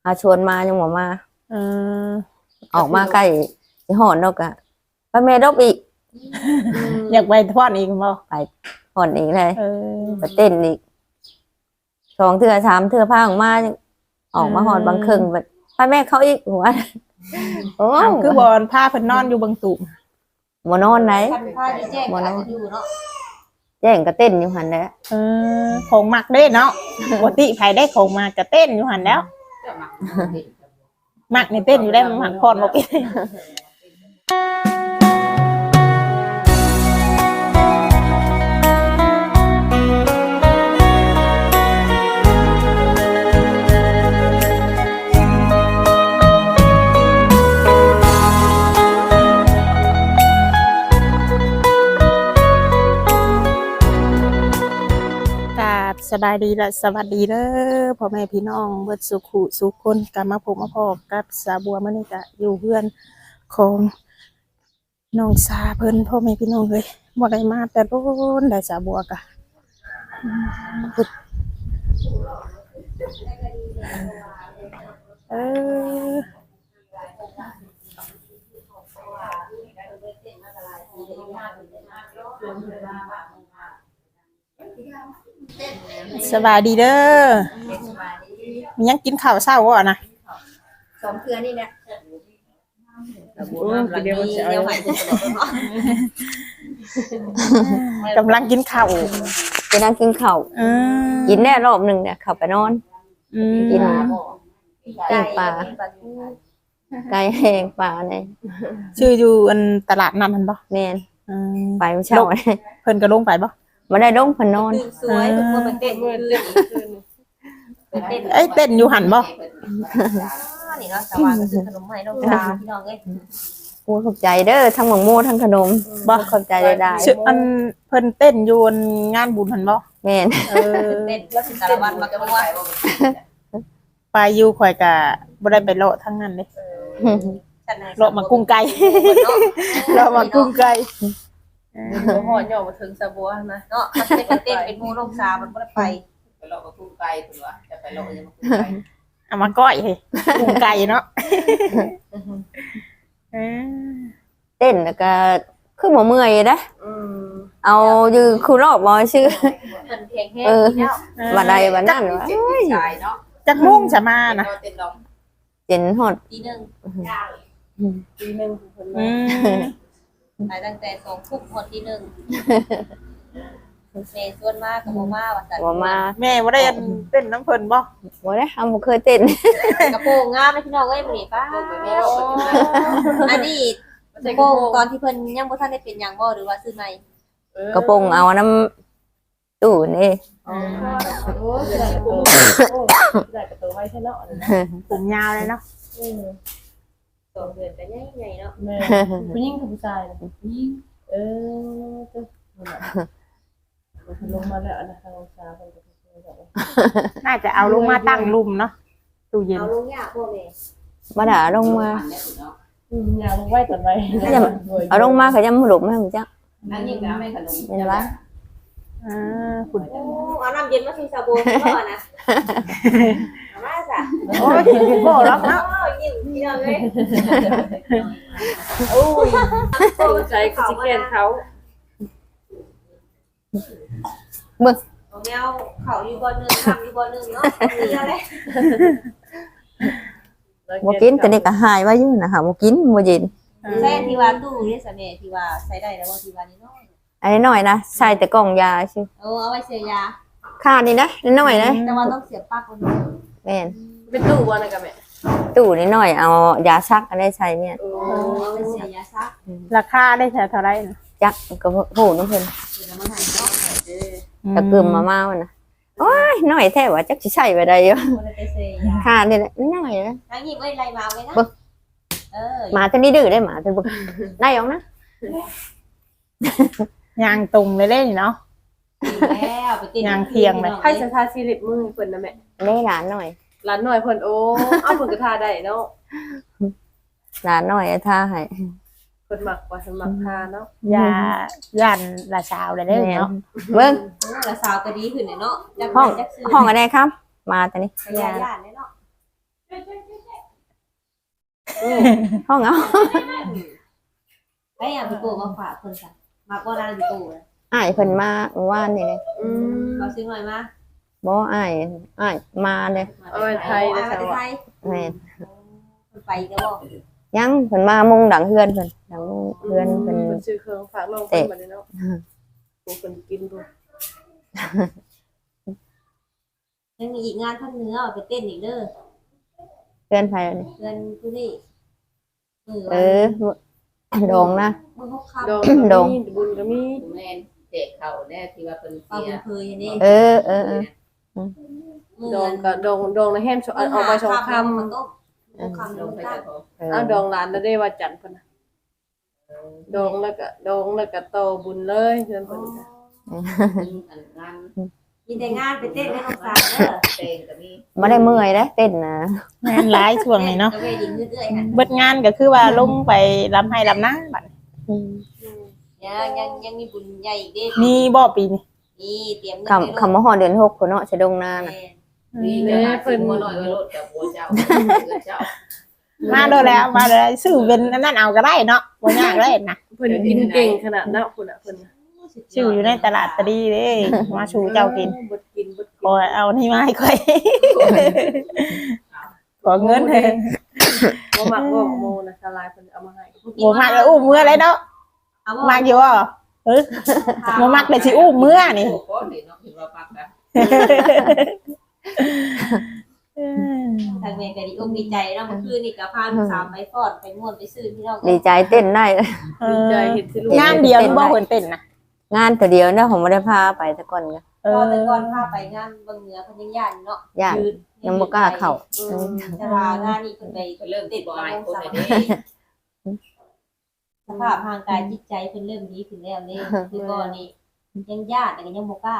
ชวนมายังบ่มาเออออกมาใกล้สิฮอดดอกอะไปแม่ดอกอีกอยากไปทอดอีกบ่ไปฮอดอีกเลยไปเต้นอีก2 เทื่อ 3 เทื่อพาออกมาฮอดบางครึ่งไปแม่เขาอีกหัวโอ้คือบอนพาเพิ่นนอนอยู่บางตุ่มบ่นอนไหนบ่นอนแจ้งก็เต้นอยู่หั่นแหละของมักเด้เนาะปกติไผได้ของมาก็เต้นอยู่หั่นแล้วมักนี่เต้นอยู่ได้มักพรบ่เป็นสบายดีและสวัสดีเด้อพ่อแม่พี่น้องเบิดสุขุสุขคนกลับมาพบมาพอกับสาบัวมื้อนี้ก็อยู่เพื่อนของน้องสาเพิ่นพ่อแม่พี่น้องเลยบ่ได้มาแต่โดนได้สาบัวก็สบายดีเด้อมียังกินข้าวเช้าบ่นะ 2 เทื่อนี่แหละกำลังกินข้าวไปนั่งกินข้าวกินแน่รอบนึงเนี่ยเข้าไปนอนกินแกงปลาไก่แห้งปลาเนี่ยชื่ออยู่อันตลาดนัดมันบ่แม่นไปเมื่อเช้าเพิ่นก็ลงไปบ่บ่ได้ลงเพิ่นนอนสวยเพิ่นมาเต้นเอ้ยเต้นอยู่หั่นบ่นี่เนาะสว่างก็ซื้อขนมให้น้องสาวพี่น้องเอ้ยโอ้ขอบใจเด้อทั้งหม่งโม่ทั้งขนมบ่ขอบใจได้ๆอันเพิ่นเต้นอยู่งานบุญหั่นบ่แม่นเต้นแล้วสิสารวัตรมาก็ว่าไปอยู่ข่อยก็บ่ได้ไปเลาะทั้งนั้นเด้เลาะมากุ้งไก่เลาะมากุ้งไก่หอดย่อมาถึงสะบัวนะเนาะมันเป็นเต้นเป็นหมู่น้องสาวมันบ่ได้ไปเลาะมากุ้งไก่เพิ่นว่าจะไปเลาะยังมากุ้งไก่เอามาก้อยเฮ้กุ้งไก่เนาะเต้นแล้วก็คือบ่เมื่อยนะเอาอยู่คือรอบบ่ชื่อเพิ่นเพลงแห้งแล้วบัดใดบัดนั้นว่าจักมุ่งจะมานะเจนฮอดตี 1เพิ่นไปตั้งแต่2 ทุ่มฮอดตี 1แม่ชวนมาก็บ่มาว่าซั่นบ่มาแม่บ่ได้เต้นน้ำเพิ่นบ่ได้บ่เคยเต้นกระโปรงงามนะพี่น้องเอ้ยมื้อนี้ป้าอันนี้กระโปรงตอนที่เพิ่นยังบ่ทันได้เป็นหยังบ่หรือว่าซื้อใหม่กระโปรงเอาน้ำตู้นี่ได้กระโปรงไว้ใช่เนาะผมยาวเลยเนาะ 2 เดือนก็ใหญ่ๆเนาะผู้หญิงกับผู้ชายผู้หญิงลงมาแล้วนะทางชาเพิ่นก็น่าจะเอาลงมาตั้งลุ่มเนาะตู้เย็นเอาลงยากบ่แม่บ่ได้ลงมาอย่าลงไว้ก่อนไว้เอาลงมาก็ยังบ่หลุมให้ฮู้จักอันนี้ก็แม่ขนมเห็นบ่คุณเอาน้ำเย็นมาใส่ซาบูก่อนนะมาจ้ะโอ้ยกินบ่รับเนาะยิ้มพี่น้องเอ้ยโอ้ยใจคือสิแก่นเขามึงแนวเขาอยู่บ่นึงทำอยู่บ่นึงเนาะมีอะไรบ่กินแต่นี่ก็หายไว้อยู่นะค่ะบ่กินบ่เย็นใส่ที่ว่าตู้นี่ซะแม่ที่ว่าใส่ได้แล้วบ่ที่ว่านี่น้อยอันนี้น้อยนะใส่แต่กล่องยาซื่อเอาไว้เสียยาค่านี่นะน้อยนะแต่ว่าต้องเสียบปากคนแม่นเป็นตู้บ่นะกะแม่ตู้นี่น้อยเอายาซักอันได้ใช้เนี่ยเอาไว้เสียยาซักราคาได้เท่าไหร่นะจักก็โหน้ำเพิ่นตะกึมมาวันน่ะโอ้ยน้อยแท้ว่าจักสิใช้ไปได้อยู่ค่านี่แหละน้อยนะทั้งนี้ไว้ไล่มาไว้นะหมาตัวนี้ดื้อได้หมาตัวบ่ได้ออกนะยางตุ่มเลยเล่นเนาะแล้วไปติดยางเทียงเลยให้สถาสิริมือเพิ่นนะแม่ได้หลานหน่อยหลานน้อยเพิ่นโอ้เอาเพิ่นก็ทาได้เนาะหลานหน่อยท่าให้เพิ่นมักว่าเพิ่นมักทาเนาะย่านละสาวเลยเนาะเบิ่งละสาวก็ดีขึ้นเนาะห้องอะไรครับมาตอนนี้ย่านเนาะห้องเอาไอ้พี่โตมาฝากเพิ่นจ้ะมาบ่นานพี่โตเลยอ้ายเพิ่นมาเมื่อวานนี่เลยเราซื้อหน่อยมาบ่อ้ายมาเลยเอาไปไทยไอ้นะมาสาวไทยแม่นไปก็บ่ยังเพิ่นมามุงดังเฮือนเพิ่นดังเฮือนเพิ่นมันซื้อเครื่องฝากน้องเพิ่นมาเลยเนาะโอ้เพิ่นกินบ่ยังมีอีกงานทางเหนือไปเต้นอีกเด้อเฮือนไผนี่เงินผู้นี่ดองนะมึงเขาขับดองดองมีบุญก็มีแม่นเด็กเขาแน่ที่ว่าเป็นเอาเสียบุญเคยนี่เออดองก็ดองในแฮมเอาไป2คำมันต้องคำลลงงไปตั้กังบเขาอ้าวดองหลานแล้วได้ว่าจันทร์เพิ่นน่ะดองแล้วก็โตบุญเลยเพิ่นก็อันงานยินแต่งานไปเต้นให้น้องสาวเด้อเตงก็มีบ่ได้เมื่อยเด้เต้นนะงานหลายช่วงนี้เนาะตะเวดินเรื่อยๆหั่นเบิดงานก็คือว่าลงไปลำให้ลำนาบัดยังมีบุญใหญ่อีกเด้มีบ่ปีนี้นี่เตรียมเงินคำว่าฮอดเดือน6พุ่นเนาะสะดงนาน่ะมีแต่ว่าเพิ่นบ่น้อยว่ารถกับบัวเจ้าเจ้ามาโดนแล้วมาเลยซื้อเป็นอันนั่นเอาก็ได้เนาะบ่ยากเลยนะเพิ่นกินเก่งขนาดนั้นพุ่นน่ะเพิ่นชื่ออยู่ในตลาดตะดีเด้มาชูเจ้ากินบ่กินบ่ขอเอานี่มาให้ค่อยขอเงินเถอะบ่มักบ่โมนะสลายเพิ่นเอามาให้บ่มักแล้วอุ้มเมื่อเลยเนาะมักอยู่บ่บ่มักเลยสิอุ้มเมื่อนี่โอ้โหเนาะเห็นว่าปักนะทางเมย์ก็ดีอกดีใจเนาะเมื่อคืนนี่ก็พาลูกสาวไปฟอดไปม่วนไปซื้อที่เราดีใจเต้นได้ดีใจเห็นสิลูกงานเดียวนี่บ่เพิ่นเต้นนะงานแต่เดียวนะผมบ่ได้พาไปแต่ก่อนก็พอแต่ก่อนพาไปงานบางเหนือเพิ่นยังย่านเนาะย่านยังบ่กล้าเข้าแต่ว่างานนี้เพิ่นไปเริ่มติติดดบ่มาอายลงคนสาไหนวเด้สภาพทางกายจิตใจเพิ่นเริ่มดีขึ้นแล้วนี่คือก่อนนี่ยังญาติแต่ก็ยังบ่กล้า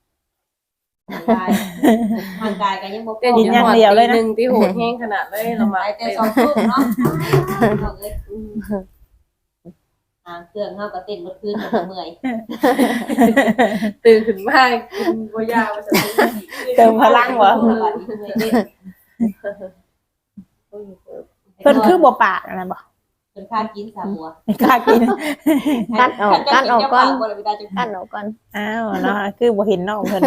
ทางกายก็ยังบ่กเต้นล้าอย่างเดียวเลยนะ1ที่โหดแฮงขนาดเลยเรามาไปแต่สองทุ่มเนาะเอาเลยเครื่องเฮาก็เต้นเมื่อคืนก็เมื่อยตื่นขึ้นมากินบ่ยาวว่าจะเติมพลังบ่เพิ่นคือบ่ปากอันนั้นบ่เป็นค่ากินสาบัวไม่กล้ากินกัดออกก่อนบ่ได้ไปได้จังกัดออกก่อนอ้าวเนาะคือบ่เห็นน้องเพิ่น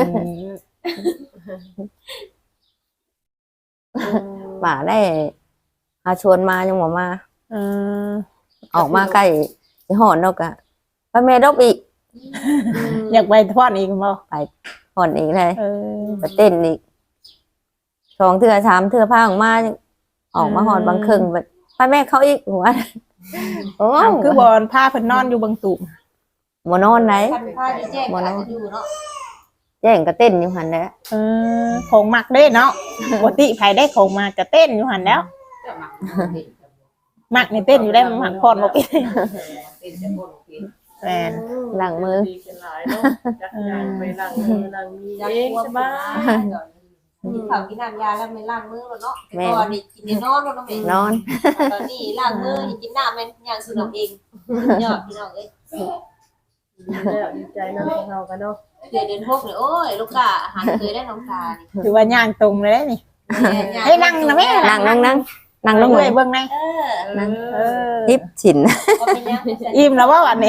ป่าได้หาชวนมายังบ่มาเออออกมาใกล้สิฮอดเนาะก็ไปแม่ดอกอีกอยากไปทอดอีกบ่ฮอดอีกเลยเออไปเต้นอีก2เทื่อ3เทื่อพาออกมาฮอดบางครึ่งไปแม่เขาอีกหัวโอ้อ้าวคือบอลผ้าเพิ่นนอนอยู่บางตุ่มบ่นอนไหนคันค่าที่แจ้งก็อาจจะอยู่เนาะแจ้งก็เต้นอยู่หั่นแหละของมักเด้เนาะปกติไผได้ของมากก็เต้นอยู่หั่นแล้วเจ้ามักมักนี่เต้นอยู่ได้มันหักพรบ่เป็นเป็นจะบ่กินแม่นล้างมือดีกันหลายเนาะจักงานไปล้างมือล้างมีอยากเองกลัวสบ้าบายกินข้าวกินน้ำยาแล้วไม่ล้างมือแล้วเนาะแต่ก่อนนี่กินแต่นอนเนาะแม่นอนตอนนี้ล้างมือกินน้ำแม่นย่างซื้อน้ำเองยอดพี่น้องเอ้ยแล้วดีใจเนาะของเรากันเนาะเดือน6เลยโอ้ยลูกกะอาหารเคยได้น้องตานี่ถือว่าย่างตรงเลยเด้นี่ ให้นั่งนะแม่นั่งลงด้วยเบิ่งในเออทิปฉินก็เป็นยังอิ่มแล้วว่าวันนี้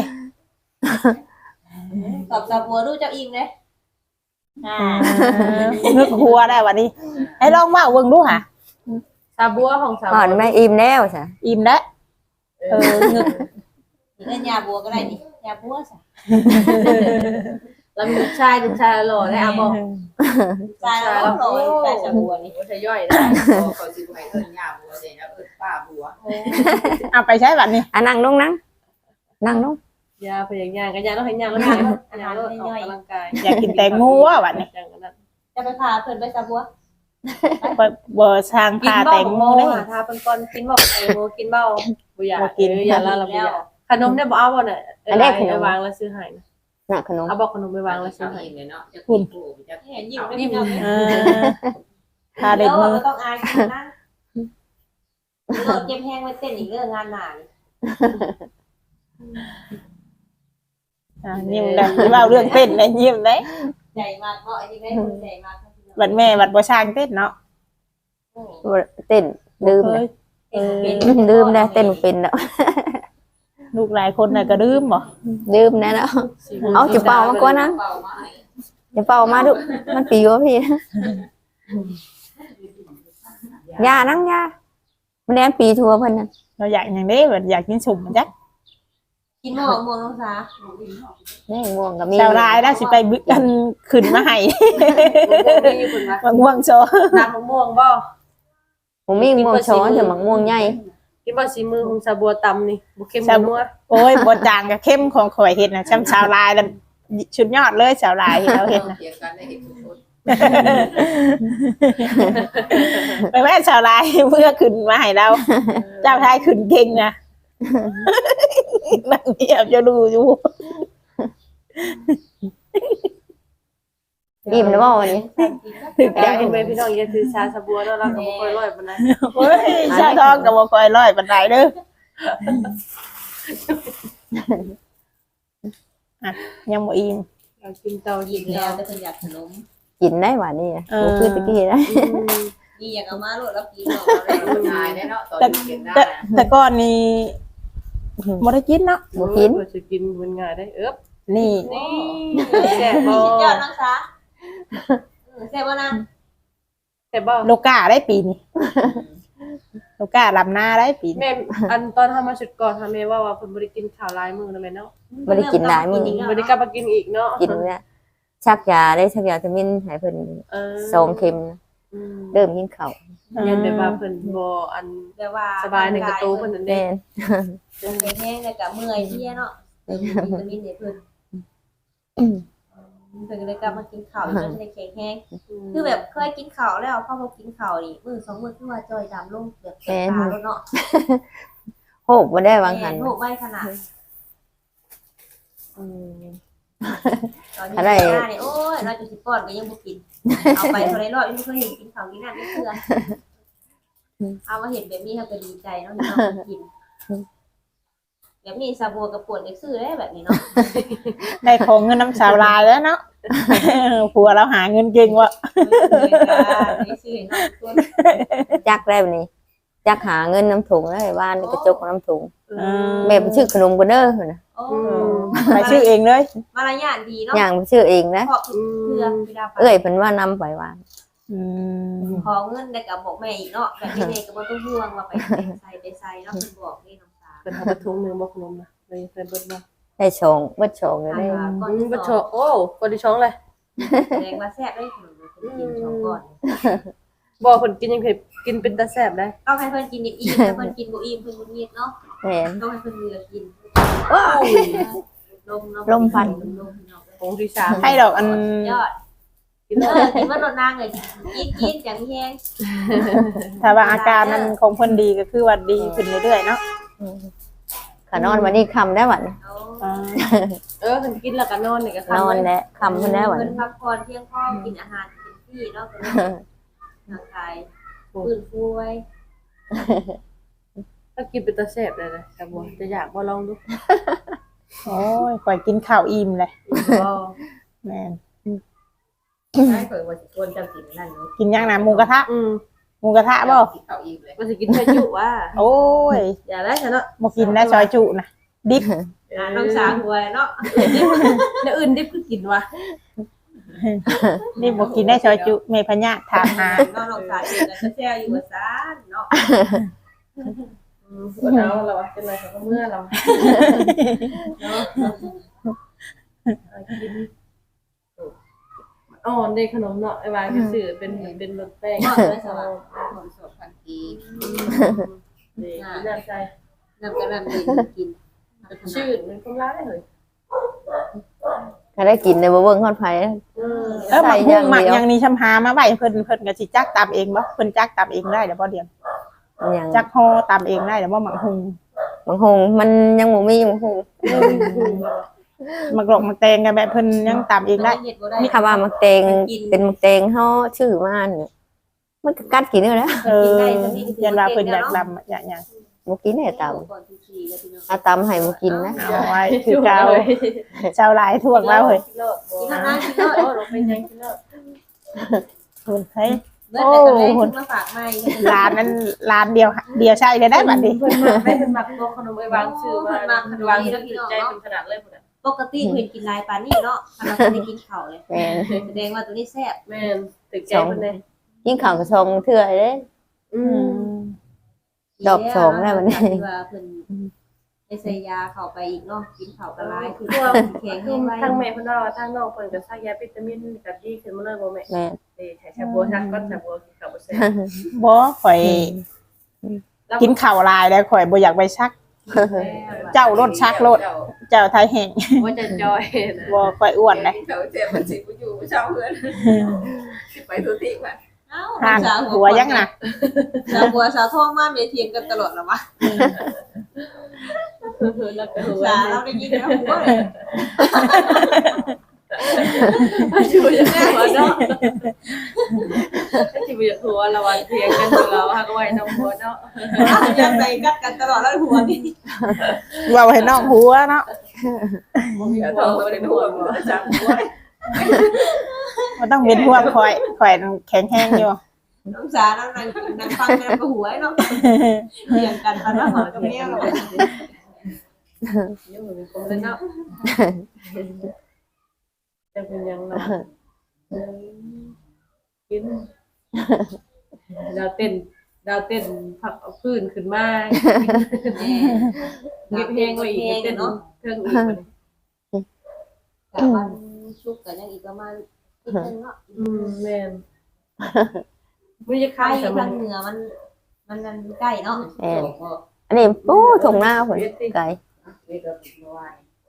ตอบสาบัวดูเจ้าอิ่มเลยนึกหัวได้วันนี้ให้ลองว่าเบิ่งดูค่ะซาบัวของสาวก่อนแม่อิ่มแล้วจ้ะอิ่มแล้วนึกนี่เล่นยาบัวก็ได้นี่ยาบัวซะแล้วมีลูกชายหล่อได้อ่ะบอกตายแล้วโรยตายสาบัวนี่บ่ใช่ย่อยได้ขอสิให้เอิ้นย่าบัวเด้นะเอิ้นป้าบัวเอาไปใช้วันนี้นั่งลงนั่งลงยาพยายามกันยาต้องให้ยาแล้วยาแล้วออกกำลังกายอยากกินแตงโมว่าวันนี้จังกันนั้นจะไปพาเพิ่นไปสาบัวบ่สร้างกินผ้าเบ้าแตงโมได้ทาเป็นก้อนกินบอกไอ้โมกินเบ้าบุยาอย่าละละบุยาขนมได้บอกเอาบ่เนี่ยไปวางแล้วซื้อให้น่ะขนมเอาบอกขนมไปวางแล้วซื้อทำให้เองเลยเนาะจะกินผู้จะเห็นยิ้มได้พี่น้องทาเด็ดมือก็ต้องอายนะรถเก็บแห้งไว้เต้นอีกเรื่องงานหนานี่ยิ้มได้เล่าเรื่องเต้นได้ยิ้มได้ใหญ่มากเพราะอันนี้ได้คนใหญ่มากบัดแม่บัดบ่ช่างเต้นเนาะเต้นลืมเลยเต้ลืมได้เต้นบ่เป็นแล้วลูกหลายคนน่ะก็ลืมบ่ลืมแน่แล้วเอาจิเป่ามาก่อนนะจิเป่ามาดูมันปีวะพี่ยานั่งยามันแนมปีทัวเพิ่นน่ะเราอยากหยังเด้แบบอยากกินสุ่มมันจักกินหมอกม่วงน้องสาแม่งม่วงก็มีชาวลายแล้วสิไปบึกกันขึ้นมาให้มีอยู่คนว่ามะม่วงโชว์น้ำมะม่วงบ่ผมมีม่วงช้อนแต่หมักม่วงใหญ่กินบ่สีมือของสาบัวตำนี่บ่เค็มนัวโอ้ยบ่จางกับเข้มของข่อยเฮ็ดน่ะชาวลายแล้วชุดยอดเลยชาวลายที่เราเฮ็ดน่ะเถียงกันได้เห็นทุกคนไปแม่ชาวลายเพื่อขึ้นมาให้เราเจ้าชายขึ้นเก่งนะนั่งเงียบจะดูอยู่อิ่มแล้วบ่วันนี้ถึงอใจยากให้แม่พี่น้องอย่าถือชาสาบัวเนาะเราก็บ่ค่อยร้อยปานใดโอ้ยชาทองกับบ่คอยร้อยปานใดเด้ออ่ะยังบ่อิ่มอยากกินเตาหยิบแล้วแต่เพิ่นอยากขนมกินได้หวานนี่บ่คือตะกี้นะนี่อยากเอามาโลดแล้วกินเนาะมันตายได้เนาะตอนนี้เก็บได้แต่ก่อนนี้บ่ได้กินเนาะบ่กินจะกินมันง่ายได้เอิบนี่นี่แซ่บบ่สุดยอดน้องสาแซ่บบ่นะแซ่บบ่โลกาได้ปีนี้โลกาลำหน้าได้ปีนี้แม่อันตอนทำมาชุดก่อนทำแม่ว่าเพิ่นบ่ได้กินข้าวหลายมื้อแล้วแม่เนาะบ่ได้กินหลายมื้อบ่ได้กลับมากินอีกเนาะกินเนี่ยชักยาได้ชักยาจะมินให้เพิ่น 2 เข็มอืมเริ่มกินข้าวยันแบบว่าเพิ่นบ่อันแบบว่าสบายในกระตูเพิ่นนั่นเด้แม่นเป็นแห้งแล้วก็เมื่อยเพลียเนาะเติมวิตามินให้เพิ่นเพิ่นก็เลยกลับมากินข้าวอีกแล้วจะได้แข็งแรงคือแบบเคยกินข้าวแล้วพอบ่กินข้าวนี่มื้อ2มื้อคือว่าจอยดำลงแบบแสบตาแล้วเนาะโหกบ่ได้วางหันโรคไว้ขนาดอืมตอนนี้อะไรหน้านี่โอ้ยเราจะสิป้อนก็ยังบ่กิน เอาไปเท่าไรรอบยังไม่เคยเห็นกินข้าวกินน้ำไม่เชื่อเอามาเห็นแบบนี้เราก็ดีใจเนาะที่เรากินแบบนี้ซาบัวกับปวดเด็กซื้อได้แบบนี้เนาะได้ของเงินน้ำชาวลายแล้วเนาะ ผัวเราหาเงินเก่งวะไม่ซื้อเนาะตัวจักได้บัดนี้จักหาเงินน้ำถุงได้บ้านกระจกของน้ำถุงอืมแม่ไปชื่อขนมกันเด้อน่ะโอ้ไปชื่อเองเลยมารยาทดีเนาะย่างไปชื่อเองนะขอบเพื่อเวลาไปเอ้ยเพิ่นว่านำไปว่าอืมขอเงินได้กับบอกแม่อีกเนาะแบบนี้เลยก็บ่ต้องห่วงว่าไปใส่เนาะคุณบอกนี่น้องสาวเพิ่นเอาไปถุงหนึงบ่ขนมนะเลยเพิ่นเบิดบ่ได้ชงเบิดชงเลยได้ก่อนอืมที่บ่สชออง โอ้ก่อนที่ช่องเลยแสดงว่าแซ่บได้ขนมกินช่องก่อนบ่เพิ่นกินยังเผ็ดกินเป็นตาแซ่บได้ต้องให้เพิ่นกินอิ่มๆถ้าเพิ่นกินบ่อิ่มเพิ่นบ่เงียบเนาะแม่นต้องให้เพิ่นเหลือกินว้า ลมพัดผงที่สามให้ดอกอันยอดกินแล้วกินว่ารถนางเลยกินจังแห้งถ้าว่าอาการมันของเพิ่นดีก็คือว่าดีขึ้นเรื่อยๆเนาะขานอนวันนี้ค่ำได้บัดนี้เอาอ่าเออเพิ่นกินแล้วก็นอนนี่ก็นอนแล้วค่ำเพิ่นได้บัดเพิ่นนี้พักผ่อนเพียงพอกินอาหารกินที่เนาะก็เลยร่างกายฟื้นฟูไว้ถ้ากินเป็นตาแซ่บเลยนะชาบัวจะอยากบ่ลองดูโอ้ยปล่อยกินข้าวอิ่มเลยบ่แม่นได้เปิดว่าสิควรจะกินนั่นเนาะกินย่างน้ำหมูกระทะอืมหมูกระทะบ่เอาอีกเลยว่าสิกินชาจุว่าโอ้ยอย่าได้ซะเนาะบ่กินได้ซอยจุนะดิบน้องสาวหัวเนาะแล้วอื่นดิบคือกินวะดิบบ่กินได้ซอยจุแม่พญาถามหาน้องสาวเองก็แซ่อยู่ว่าซ่านเนาะปวดเอาเราเป็นไรเขาก็เมื่อเรากินอ๋อได้ขนมเนาะไอ้วายไปซื้อเป็นรสแป้งเนาะได้สบายคนสดพันกีนี่น่าใจน้ำกระน้ำดีกินชื่อมันก็ร้ายเลยถ้าได้กินได้บ่เบิ่งฮอดไผหมักหุ้งหมักอย่างนี้ชำหามาไว้เพิ่นก็สิจักตามเองบ่เพิ่นจักตามเองได้เดี๋ยวบ่เดียวหยังจักห่อตามเองได้เดี๋ยวบ่หมักหุ้งบางคงมันยังบ่มีบางคงหมักหลอกหมักแตงกันแบบเพิ่นยังตามเองได้เฮ็ดบ่ได้มีคำว่ามักแตงเป็นมักแตงเฮาชื่อมานี่มันก็กัดกินได้แล้วยันว่าเพิ่นอยากดำอยากหยังบ่กินได้ตามก่อนที่สี่แล้วพี่น้องอาตำให้บ่กินนะเอาไว้คือเก่าชาวหลายทั่วแล้วเฮ้ยกินแล้วนะกินแล้วเราเป็นยังกินแล้วเพิ่นเฮ้ยเมื่อแต่ตอนแรกขึ้นมาฝากไม่ร้านนั้นร้านเดียวใช่เลยได้บัดนี้เพิ่นมาให้เพิ่นมักตัวขนมไอ้วางชื่อว่าวางชื่อใจเป็นขนาดเลยพุ่นน่ะปกติเพิ่นกินลายปานนี้เนาะถ้าเราได้กินข้าวเลยแม่นแสดงว่าตัวนี้แซ่บแม่นถึกใจเพิ่นเลยยิ่งข่าวกระชงเถื่อเด้ ดอกสองแล้ววันนี้ที่ว่าเพิ่นได้ใส่ยาเข้าไปอีกเนาะกินข้าวก็ลายคือแข็งคืแห้องไว้ทางแม่เพิ่นว่าทางน้องเพิ่นก็ซักยาวิตามินก็ดีขึ้นมาเลยบ่แม่แม่นให้ชาบัวซักก็ชาบัวกินข้าวบ่แซ่บบ่ข่อยกินข้าวลายแล้วข่อยบ่อยากไปชัก เจ้ารถชักรถเจ้าไทยแห่งว่าจะจอยนะบ่ข่อยอ้วนเลยเขาเจ็บมันสิกูอยู่เช้าเพื่อนสิไปทุติก่อนเอ้าห่างหัวยังน่ะสาวบัวสาวทองมาเมเทียงกันตลอดแล้ววะแล้วก็สาวเราได้ยินแล้วหัวเลยอยู่อย่างนี้หัวเนาะที่อยู่อย่างหัวเราวันเพียงกันเราหากไว้น้องหัวเนาะยังใส่กัดกันตลอดแล้วหัวนี่เว้าให้น้องหัวเนาะเดี๋ยวโทรไปเป็นห่วงจังหัวบ่ต้องเป็นห่วงข่อยแข็งแรงอยู่น้องสาวนั่งฟังกันก็หัวเนาะเถียงกันตอนนั้นหัวกับเมียเรายังเหมือนคนเลยเนาะจะเป็นยังเนาะกินดาวเต้นผักเอาพื้นขึ้นมาเก็บเพลงไว้อีกเต้นเนาะเครื่องอีกคนกับวันชุกกันยังอีกประมาณนิดนึงเนาะแม่นไม่จะใกล้ข้าวแต่มัทาน งเหนือมันใกล้เนาะแม่นอันนี้ปูถุงหน้าผลไก่นี่ก็ติดมาไหว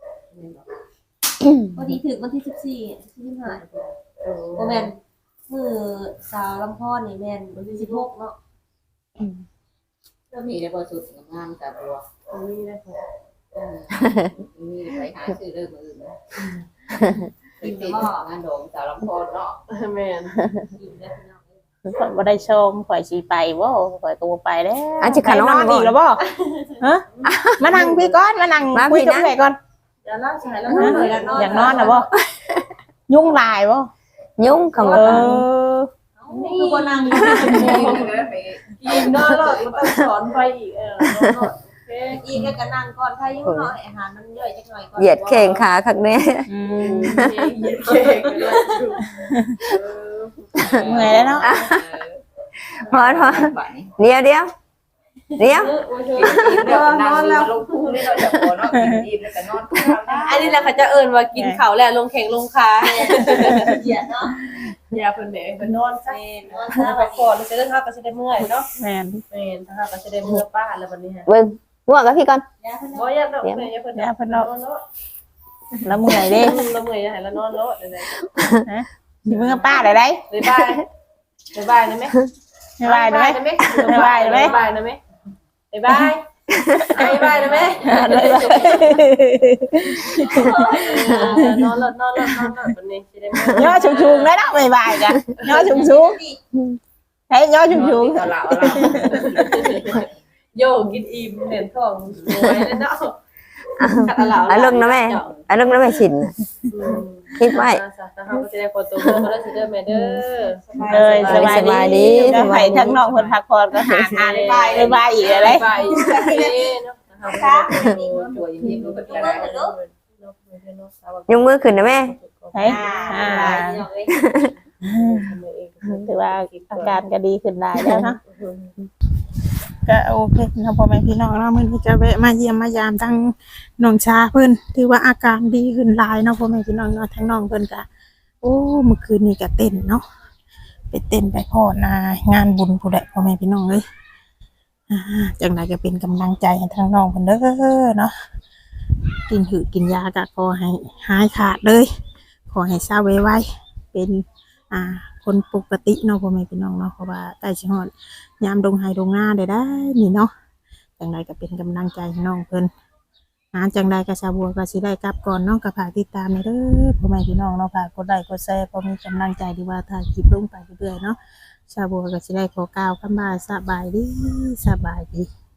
พอดีถึงวันที่14 15โมแมนมือสาวลำพอนนี่แมนวันที่16เนาะก็มีได้พอสุดงามแต่บัวนี่นะมีไปหาซื้อเรื่องอื่นนะติดงานโดมสาวลำพอนเนาะแม่นกินได้พี่น้องข่อยบ่ได้ชมข่อยสิไปบ่ข่อยก็บ่ไปแล้วอันสิขานอนไปอีกแล้วบ่ฮะมานั่งพี่ก่อนมานั่งคุยกับเอื้อยก่อนอย่าล่าสายแล้วอยากนอนน่ะบ่ยุ่งหลายบ่ยุ่งคำว่าคือคนนั่งกินนอนรอดมันต้องสอนไปอีกอีกก็นั่งก่อนถ้ายุ่งหน่อยอาหารมันย่อยจักหน่อยก่อนเหยียดแข่งขาคักแน่เมื่อยแล้วเนาะพอเดี๋ยวเดี๋ยวนอนแล้วลงคู่นี่เราจะพอเนาะกินอิ่มแล้วก็นอนคู่อันนี้แหละเขาจะเอิญว่ากินเขาแหละลงแข่งลงขาเหยียดเนาะอย่าเพิ่นเด้เพิ่นนอนซะนอนซะไปก่อนจะได้ทักก็จะได้เมื่อยเนาะแม่นแม่นถ้าก็จะได้เมื่อป้าแล้ววันนี้ฮะเบิ่งง่วงกับพี่ก่อนยาเพิ่นบ่อยากดอกแม่อย่าเพิ่นนอนเนาะแล้วเมื่อยเด้ละเมื่อยให้ละนอนเนาะได้สิมึงกับป้าได้ได้บ๊ายบายบ๊ายบายนะแม่บ๊ายบายได้ไหมบ๊ายบายนะแม่บ๊ายบายนะแม่บ๊ายบายบ๊ายบายนะแม่นอนวันนี้สิได้มื้ย่อชุงๆได้เนาะบ๊ายบายจ้ะย่อชุงๆให้ย่อชุงตลาดโยกินอิ่มเหรียญทองรวยเลยเนาะอารมณ์นะแม่อารมณ์นะแม่ชินคิดไว้จะได้คนตัวก็ได้สิเด้อแม่เด้อๆเลยสบายดีก็ให้ทั้งน้องเพิ่นพักผ่อนก็หาทานบ๊ายบายอีกอะไรไปเนาะนะคะตัวยิ้มก็เป็นอะไรยกมือขึ้นนะแม่เฮ้ยถือว่าอาการก็ดีขึ้นได้แล้วเนาะก็โอเคนะพ่อแม่พี่น้องเนาะมื้อนี้จะแวะมาเยี่ยมมายามทั้งน้องชาเพิ่นถือว่าอาการดีขึ้นหลายเนาะพ่อแม่พี่น้องเนาะทั้งน้องเพิ่นก็โอ้เมื่อคืนนี้ก็เต้นเนาะไปเต้นไปพ่อนางานบุญผู้ใดพ่อแม่พี่น้องเอ้ยจังไดก็เป็นกำลังใจให้ทั้งน้องเพิ่นเด้อเนาะกินหือกินยาก็ขอให้หายขาดเลยขอให้เศร้าไวๆเป็นคนปกติเนาะพ่อแม่พี่น้องเนาะเพราะว่าใกล้สิฮอดยามดงไห้ดงหน้าได้นี่เนาะจังใดก็เป็นกำลังใจให้น้องเพิ่นจังใดก็ชาวบัวก็สิได้กลับก่อนเนาะก็ฝากติดตามเด้อพ่อแม่พี่น้องเนาะฝากกดไลค์กดแชร์พอมีกำลังใจดีว่าถ้าคลิปลงไปเรื่อยๆเนาะชาวบัวก็สิได้ขอกล่าวคำว่าสบายดี